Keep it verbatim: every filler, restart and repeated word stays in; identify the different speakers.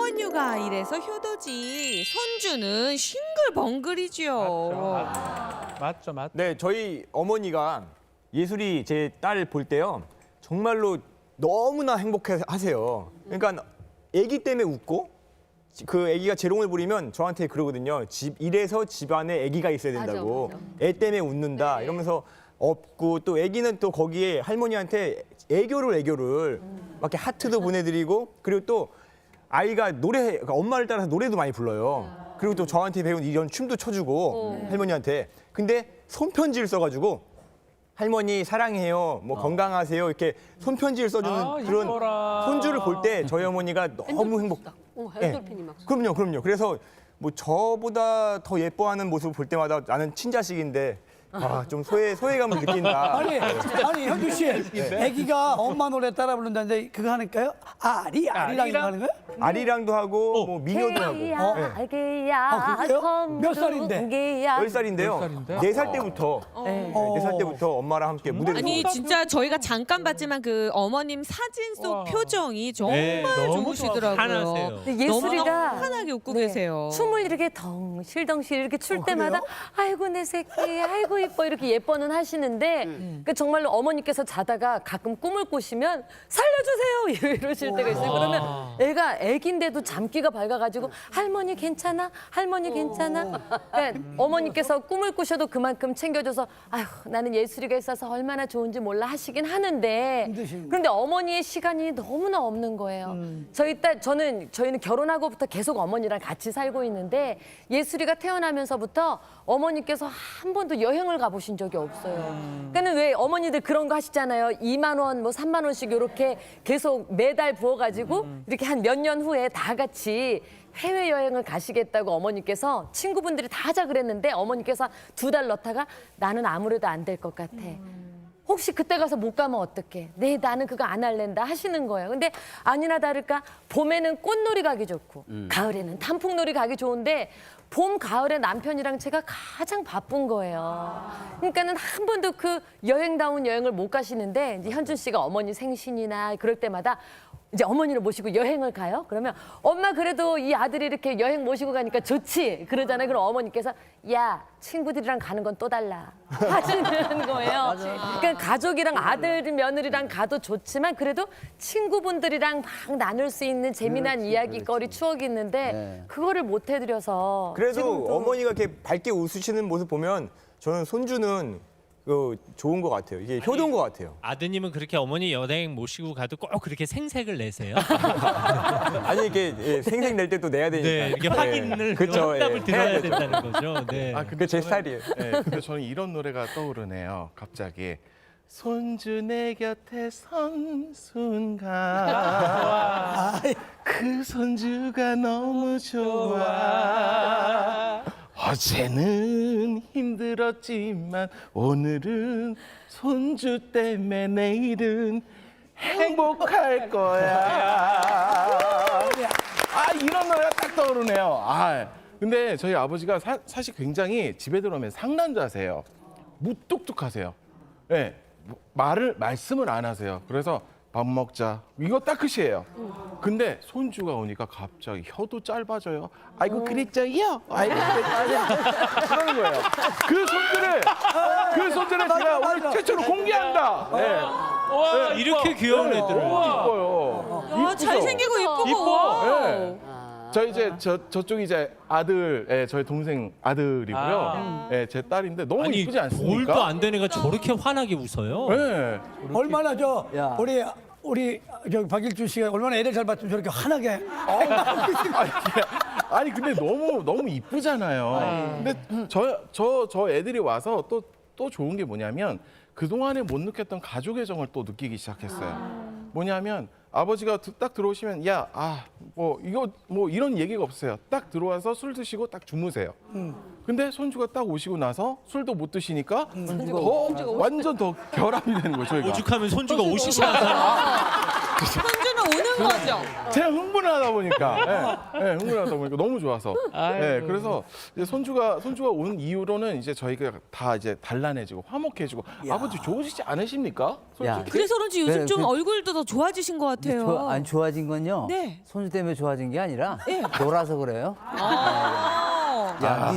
Speaker 1: 하원유가 이래서 효도지. 손주는 싱글벙글이죠.
Speaker 2: 맞죠, 맞죠.
Speaker 3: 네, 저희 어머니가 예술이 제 딸 볼 때요. 정말로 너무나 행복해 하세요. 그러니까 아기 때문에 웃고 그 아기가 재롱을 부리면 저한테 그러거든요. 집 이래서 집안에 아기가 있어야 된다고.
Speaker 4: 맞아, 맞아.
Speaker 3: 애 때문에 웃는다.
Speaker 4: 네.
Speaker 3: 이러면서 없고 또 아기는 또 거기에 할머니한테 애교를 애교를 막 이렇게 하트도 보내드리고 그리고 또 아이가 노래 그러니까 엄마를 따라서 노래도 많이 불러요. 그리고 또 저한테 배운 이런 춤도 춰주고 할머니한테. 근데 손편지를 써가지고 할머니 사랑해요, 뭐 건강하세요 이렇게 손편지를 써주는
Speaker 2: 아,
Speaker 3: 그런
Speaker 2: 이뻐라.
Speaker 3: 손주를 볼 때 저희 어머니가 너무 행복.
Speaker 4: 어,
Speaker 3: 네.
Speaker 4: 엔돌핀이 막.
Speaker 3: 그럼요, 그럼요. 그래서 뭐 저보다 더 예뻐하는 모습을 볼 때마다 나는 친자식인데 아, 좀 소외 소외감을 느낀다.
Speaker 5: 아니, 아니 현주 씨, 아기가 엄마 노래 따라 부른다는데 그거 하니까요? 아리 아리랑 이거 하는 거야?
Speaker 3: 아리랑도 하고 뭐 미녀도 하고. 네.
Speaker 4: 아기야,
Speaker 5: 아, 그래요? 몇 살인데?
Speaker 3: 열 살인데요.
Speaker 2: 살인데?
Speaker 3: 네 살 때부터
Speaker 4: 네.
Speaker 3: 네 살 때부터 엄마랑 함께 무대를
Speaker 1: 아니
Speaker 3: 서고.
Speaker 1: 진짜 저희가 잠깐 봤지만 그 어머님 사진 속
Speaker 2: 와.
Speaker 1: 표정이 정말
Speaker 6: 네, 너무
Speaker 1: 좋으시더라고요.
Speaker 6: 환하세요.
Speaker 4: 근데
Speaker 1: 너무나
Speaker 4: 예술이가
Speaker 1: 환하게 웃고
Speaker 4: 네.
Speaker 1: 계세요.
Speaker 4: 춤을 이렇게 덩실덩실 이렇게 출
Speaker 5: 어,
Speaker 4: 때마다
Speaker 5: 그래요?
Speaker 4: 아이고 내 새끼, 아이고 이뻐 이렇게 예뻐는 하시는데 그 정말로 어머니께서 자다가 가끔 꿈을 꾸시면 살려주세요 이러실 때가 있어요. 그러면 애가 애긴데도 잠기가 밝아가지고 할머니 괜찮아? 할머니 괜찮아? 그러니까 어머니께서 꿈을 꾸셔도 그만큼 챙겨줘서 아휴 나는 예술이가 있어서 얼마나 좋은지 몰라 하시긴 하는데
Speaker 5: 힘드신
Speaker 4: 그런데 어머니의 시간이 너무나 없는 거예요. 저희 딸 저는 저희는 결혼하고부터 계속 어머니랑 같이 살고 있는데 예술이가 태어나면서부터 어머니께서 한 번도 여행을 가보신 적이 없어요. 그러니까는 왜 어머니들 그런 거 하시잖아요. 이만 원, 뭐 삼만 원씩 이렇게 계속 매달 부어가지고 이렇게 한 몇 년 후에 다 같이 해외 여행을 가시겠다고 어머니께서 친구분들이 다 하자 그랬는데 어머니께서 두 달 넣다가 나는 아무래도 안 될 것 같아. 혹시 그때 가서 못 가면 어떡해? 네, 나는 그거 안 할랜다 하시는 거예요. 근데 아니나 다를까 봄에는 꽃놀이 가기 좋고 가을에는 단풍놀이 가기 좋은데 봄, 가을에 남편이랑 제가 가장 바쁜 거예요. 그러니까는 한 번도 그 여행다운 여행을 못 가시는데 이제 현준 씨가 어머니 생신이나 그럴 때마다 이제 어머니를 모시고 여행을 가요. 그러면 엄마 그래도 이 아들이 이렇게 여행 모시고 가니까 좋지. 그러잖아요. 그럼 어머니께서 야 친구들이랑 가는 건 또 달라 하시는 거예요. 그러니까 가족이랑 아들 며느리랑 가도 좋지만 그래도 친구분들이랑 막 나눌 수 있는 재미난 이야기거리 추억이 있는데 그거를 못 해드려서
Speaker 3: 그래도
Speaker 4: 지금도
Speaker 3: 어머니가 이렇게 밝게 웃으시는 모습 보면 저는 손주는 그 좋은 것 같아요. 이게 효도인 것 같아요.
Speaker 6: 아드님은 그렇게 어머니 여행 모시고 가도 꼭 그렇게 생색을 내세요?
Speaker 3: 아니 이게 예, 생색 낼 때 또 내야 되니까.
Speaker 6: 네, 이게 확인을
Speaker 3: 그쵸,
Speaker 6: 확답을
Speaker 3: 예.
Speaker 6: 들어야
Speaker 3: 해야 되죠.
Speaker 6: 된다는 거죠. 네.
Speaker 7: 아,
Speaker 3: 그게 제
Speaker 7: 저는-
Speaker 3: 스타일이에요.
Speaker 7: 네, 근데 저는 이런 노래가 떠오르네요. 갑자기 손주 내 곁에 선 순간 그 손주가 너무 좋아. 어제는 힘들었지만 오늘은 손주 때문에 내일은 행복할 거야. 아 이런 노래가 딱 떠오르네요. 아 근데 저희 아버지가 사, 사실 굉장히 집에 들어오면 상남자세요. 무뚝뚝하세요. 예, 네, 말을 말씀을 안 하세요. 그래서 밥 먹자 이거 딱 끝이에요. 근데 손주가 오니까 갑자기 혀도 짧아져요. 아이고 그랬죠요. 아이고 그랬죠요. 그러는 거예요. 그 손주를 그 손주를 제가 오늘 최초로 공개한다. 네.
Speaker 6: 와, 이렇게 귀여운 애들을.
Speaker 7: 너무 이뻐요.
Speaker 1: 아, 잘생기고 이쁘고.
Speaker 6: 이뻐.
Speaker 7: 네. 저 이제 저 저쪽이 이제 아들, 예, 저희 동생 아들이고요.
Speaker 2: 아.
Speaker 7: 예, 제 딸인데 너무
Speaker 6: 아니,
Speaker 7: 이쁘지 않습니까?
Speaker 6: 돌도 안 된 애가 저렇게 환하게 웃어요.
Speaker 7: 네.
Speaker 5: 얼마나 저 우리 우리 저 박일준 씨가 얼마나 애를 잘 봤으면 저렇게 환하게
Speaker 7: 아니, 아니 근데 너무 너무 이쁘잖아요. 근데 저 저 저 애들이 와서 또 또 좋은 게 뭐냐면 그 동안에 못 느꼈던 가족의 정을 또 느끼기 시작했어요. 뭐냐면 아버지가 드- 딱 들어오시면 야, 아, 뭐 이거 뭐 이런 얘기가 없어요. 딱 들어와서 술 드시고 딱 주무세요. 근데 손주가 딱 오시고 나서 술도 못 드시니까 더 완전 더 결함이 되는 거죠. 저희가.
Speaker 6: 오죽하면 손주가 오시시한 사람.
Speaker 1: 손주는 손주가 우는 거죠.
Speaker 7: 제가 흥분하다 보니까, 예, 예, 흥분하다 보니까 너무 좋아서, 예, 그래서 이제 손주가 손주가 온 이후로는 이제 저희가 다 이제 단란해지고 화목해지고 아버지 좋으시지 않으십니까?
Speaker 2: 야.
Speaker 7: 솔직히?
Speaker 1: 그래서 그런지 요즘
Speaker 2: 네,
Speaker 1: 좀
Speaker 2: 그-
Speaker 1: 얼굴도 더 좋아지신 것 같아요.
Speaker 2: 조, 안 좋아진 건요.
Speaker 1: 네.
Speaker 2: 손주 때문에 좋아진 게 아니라
Speaker 1: 예.
Speaker 2: 놀아서 그래요.
Speaker 1: 아.
Speaker 2: 야,